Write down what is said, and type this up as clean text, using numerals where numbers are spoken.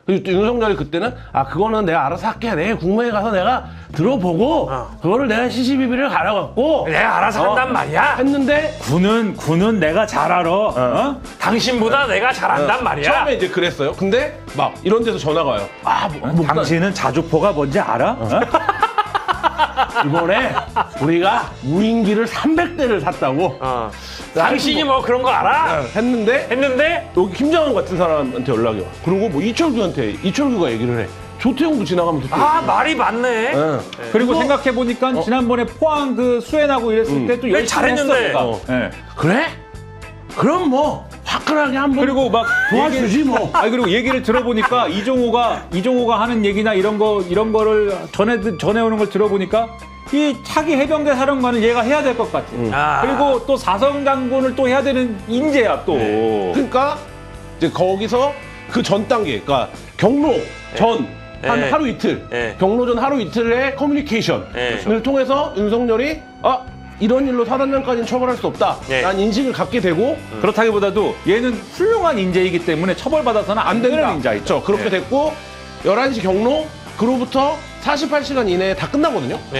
그리고 윤석열이 그때는 그거는 내가 알아서 할게. 내일 국무회의 가서 내가 들어보고 그거를 내가 시시비비를 가려갖고 내가 알아서 한단 말이야. 했는데 군은 내가 잘 알아. 어? 당신보다 내가 잘한단 말이야. 처음에 이제 그랬어요. 근데 막 이런 데서 전화가 와요. 당신은 자주포가 뭔지 알아? 어? 이번에 우리가 무인기를 300대를 샀다고 당신이 뭐 그런 거 알아? 했는데 여기 김장원 같은 사람한테 연락이 와. 그리고 뭐 이철규가 얘기를 해. 조태용도 지나가면서 말이 많네. 그리고 생각해보니까 지난번에 포항 그 수해나고 이랬을 때 또 열심히 잘했는데. 했어, 내가. 예. 그래? 그럼 뭐 화끈하게 한번 그리고 막 도와주지 뭐. 그리고 얘기를 들어보니까 이종호가 하는 얘기나 이런 거를 전해오는 걸 들어보니까 이 차기 해병대 사령관은 얘가 해야 될 것 같아. 그리고 또 사성 장군을 또 해야 되는 인재야 또. 그러니까 이제 거기서 그 전 단계, 그러니까 경로 전 한 하루 이틀, 경로전 하루 이틀의 커뮤니케이션을 통해서 윤석열이 이런 일로 사단장까지는 처벌할 수 없다. 라는 인식을 갖게 되고 그렇다기보다도 얘는 훌륭한 인재이기 때문에 처벌받아서는 안 되는 인재이죠. 그렇죠. 그렇게 됐고 11시 경로 그로부터 48시간 이내에 다 끝나거든요.